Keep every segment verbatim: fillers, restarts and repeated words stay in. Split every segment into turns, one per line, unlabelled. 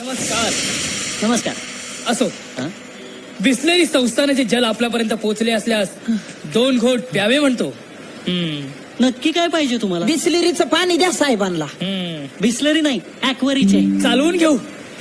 नमस्कार.
नमस्कार.
असो, बिस्लेरी संस्थानाचे जल आपल्यापर्यंत पोहोचले असल्यास दोन घोट प्यावे म्हणतो.
नक्की काय पाहिजे तुम्हाला?
बिस्लरीचं पाणी द्या साहेबांना.
बिस्लरी नाही, ऍक्वरीचे.
चालवून घेऊ.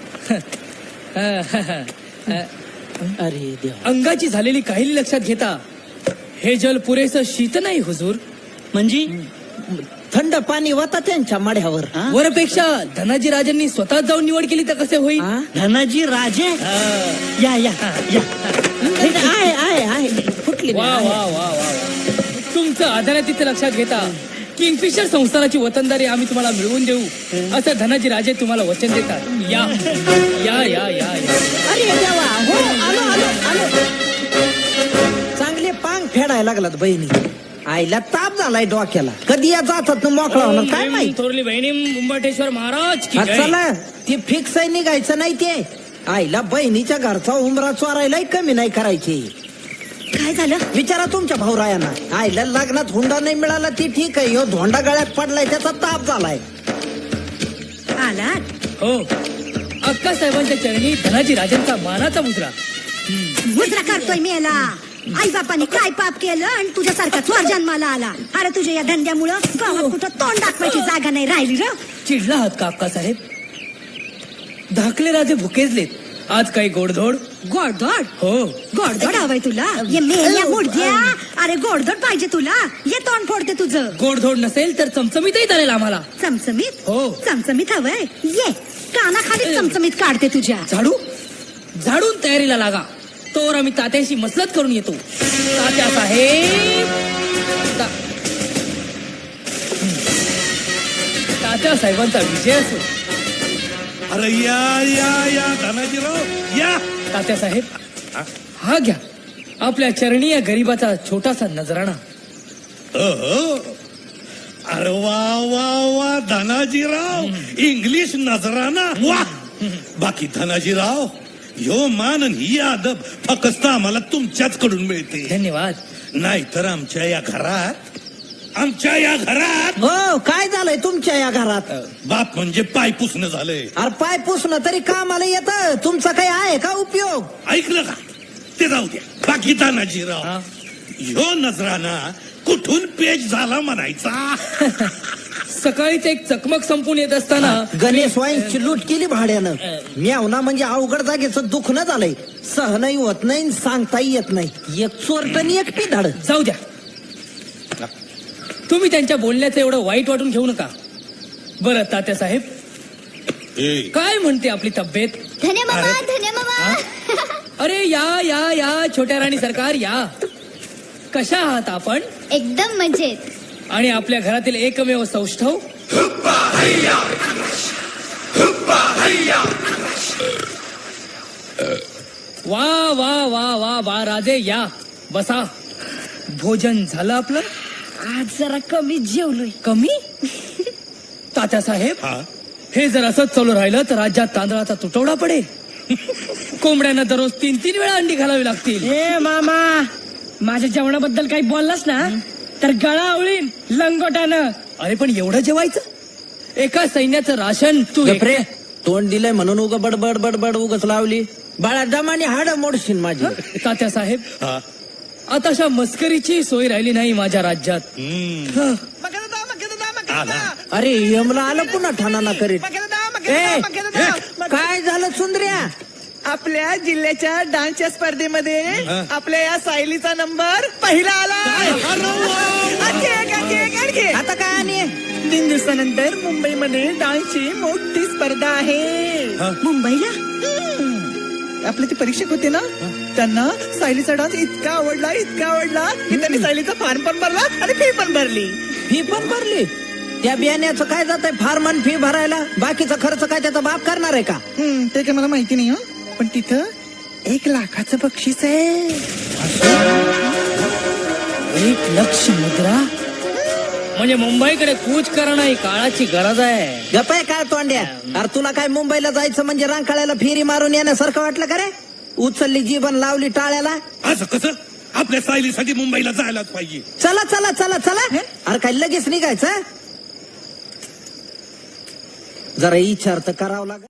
अरे देवा,
अंगाची झालेली काहिली लक्षात घेता हे जल पुरेसं शीत नाही हुजूर.
म्हणजे
थंड पाणी होता त्यांच्या मढ्यावर.
हा?
वरपेक्षा धनाजी राजांनी स्वतः जाऊन निवड केली तर कसे होईल?
हा?
धनाजी राजे. या या या.
नाही, नाही, आहे आहे आहे फुटली
वा
नाही,
वा
आहे.
वा वा तुमचं आदरातिथ्य लक्षात घेता किंगफिशर संस्थानाची वतनदारी आम्ही तुम्हाला मिळवून देऊ असं धनाजी राजे तुम्हाला वचन देतात. या या या या या.
अरे देवा, हो आलो आलो आलो. चांगले पांग फेडायला लागलात बहिणी. आईला ताप झालाय डोक्याला. कधी या जातात ना मोकळा होणार काय माहिती.
थोरली बहिणी मुंबटेश्वर महाराज की
हा,
जय.
चला ते फिक्स आहे, निघायचं नाही ते. आईला बहिणीच्या घरचा उमरा चोरायलाही कमी नाही करायची.
काय झालं?
विचारा तुमच्या भाऊरायांना. आईला लग्नात हुंडा नाही मिळाला ती ठीक आहे, ह्यो धोंडा गळ्यात पडलाय त्याचा ताप झालाय.
आला
हो, अक्का साहेबांच्या चरणी धनाजी राजांचा मानाचा मुद्रा.
मुद्रा करतोय मी याला. आई बापाने काय पाप केलं आणि तुझ्यासारखा चोर जन्माला आला. अरे तुझ्या या धंद्यामुळं गावात कुठं तोंड दाखवायची जागा नाही राहिली र.
चिडला आहात का अक्का साहेब? धाकले राजे भुकेजलेत. आज काही गोडधोड?
गोडधोड
हो.
गोडधोड हवाय तुला? ये मेल्या मुडद्या. अरे गोडधोड पाहिजे तुला? ये तोंड फोडते तुझं.
गोडधोड नसेल तर चमचमीतही चालेल आम्हाला.
चमचमीत?
हो.
चमचमीत हवंय? ये कानाखाली चमचमीत काढते तुझ्या.
झाडू झाडून तयारीला लागा. तोवर आम्ही तात्याशी मसलत करून येतो. तात्या साहेब ता- तात्या साहेबांचा विजय असो.
अरे या या या धनाजीराव या.
तात्या साहेब हा घ्या आपल्या चरणी या गरीबाचा छोटासा नजराणा.
अहो. अरे वा वा वा धनाजीराव, इंग्लिश नजराना वा. बाकी धनाजीराव, ह्यो मान आणि ही अदब फक्त आम्हाला तुमच्याच कडून मिळते.
धन्यवाद.
नाहीतर आमच्या या घरात आमच्या या घरात
हो, काय झालंय तुमच्या या घरात?
बाप म्हणजे पाय पुसणं झालंय.
अरे पाय पुसणं तरी कामाला येतं. तुमचा काही आहे का उपयोग?
ऐकलं का? ते जाऊ द्या. बाकी
हा.
धनाजीराव, ह्यो नजराना कुठून पेज झाला म्हणायचा.
सकाळीच एक चकमक संपून येत असताना
गणेश वाईंची लूट केली भाड्यानं. म्यावना म्हणजे अवघड जागेचं दुखणं झालंय. सहनही होत नाही, सांगताही येत नाही. एक चोरटणी एक पिधाड.
जाऊ द्या. तुम्ही त्यांच्या बोलण्याचं एवढं वाईट वाटून घेऊ नका. बरं तात्या साहेब,
ए,
काय म्हणते आपली तब्येत?
धन्य मामा,
अरे.
धन्य मामा.
अरे या या या छोट्या राणी सरकार या. कशा आहात आपण?
एकदम मजेत.
आणि आपल्या घरातील एकमेव सौष्ठव? वा वा वा वा वा राजे या बसा. भोजन झालं आपलं?
आज जरा कमी जेवलोय.
कमी? तात्या साहेब,
हा?
हे जर असंच चालू राहिलं तर राज्यात तांदळाचा तुटवडा पडेल. कोंबड्यांना दररोज तीन तीन वेळा अंडी घालावी लागतील.
ए मामा, माझ्या जेवणाबद्दल काही बोललास ना तर गळा आवळीन लंगोटानं.
अरे पण एवढं जेवायचं? एका सैन्याचं राशन तू एक-
गप्रे, तोंड दिलंय म्हणून उग बडबड बडबड उगच लावली. बाळा दमाने हाड मोडशील माझी.
तात्या साहेब,
हा?
आताशा मस्करीची सोय राहिली नाही माझ्या राज्यात.
हम्म.
हं.
आला.
अरे यमला आलं पुन्हा ठाणाना करीत. ए, ए, काय झालं सुंदर्या?
आपल्या जिल्ह्याच्या डान्सच्या स्पर्धेमध्ये आपल्या या सायलीचा नंबर पहिला आला. आणखी एक, आणखी एक, आणखी एक.
आता काय आणि
तीन दिवसानंतर मुंबईमध्ये डान्सची मोठी स्पर्धा आहे.
मुंबईला?
आपले ते परीक्षक होते ना, त्यांना सायलीचा डान्स इतका आवडला इतका आवडला की त्यांनी सायलीचा फॉर्म पण भरला आणि फी पण भरली.
फी पण भरली? त्या बियाण्याचं काय जात आहे फार्मन फी भरायला? बाकीचा खर्च काय त्याचा बाप करणार आहे का?
हम्म, ते काय मला माहिती नाही. हं. पण तिथं एक लाखाचं बक्षीस आहे.
एक लक्ष मुद्रा म्हणजे मुंबईकडे कूच करणं ही काळाची गरज आहे.
गपाय काय तोंड्या? अरे तुला काय मुंबईला जायचं म्हणजे रांकाळ्याला फेरी मारून येण्यासारखं वाटलं का रे? उचलली जीवन लावली टाळ्याला.
असं कसं? आपल्या सायलीसाठी मुंबईला जायलाच पाहिजे.
चला चला चला चला. अरे काय लगेच निघायचं? जरा विचार तर करावं लागेल.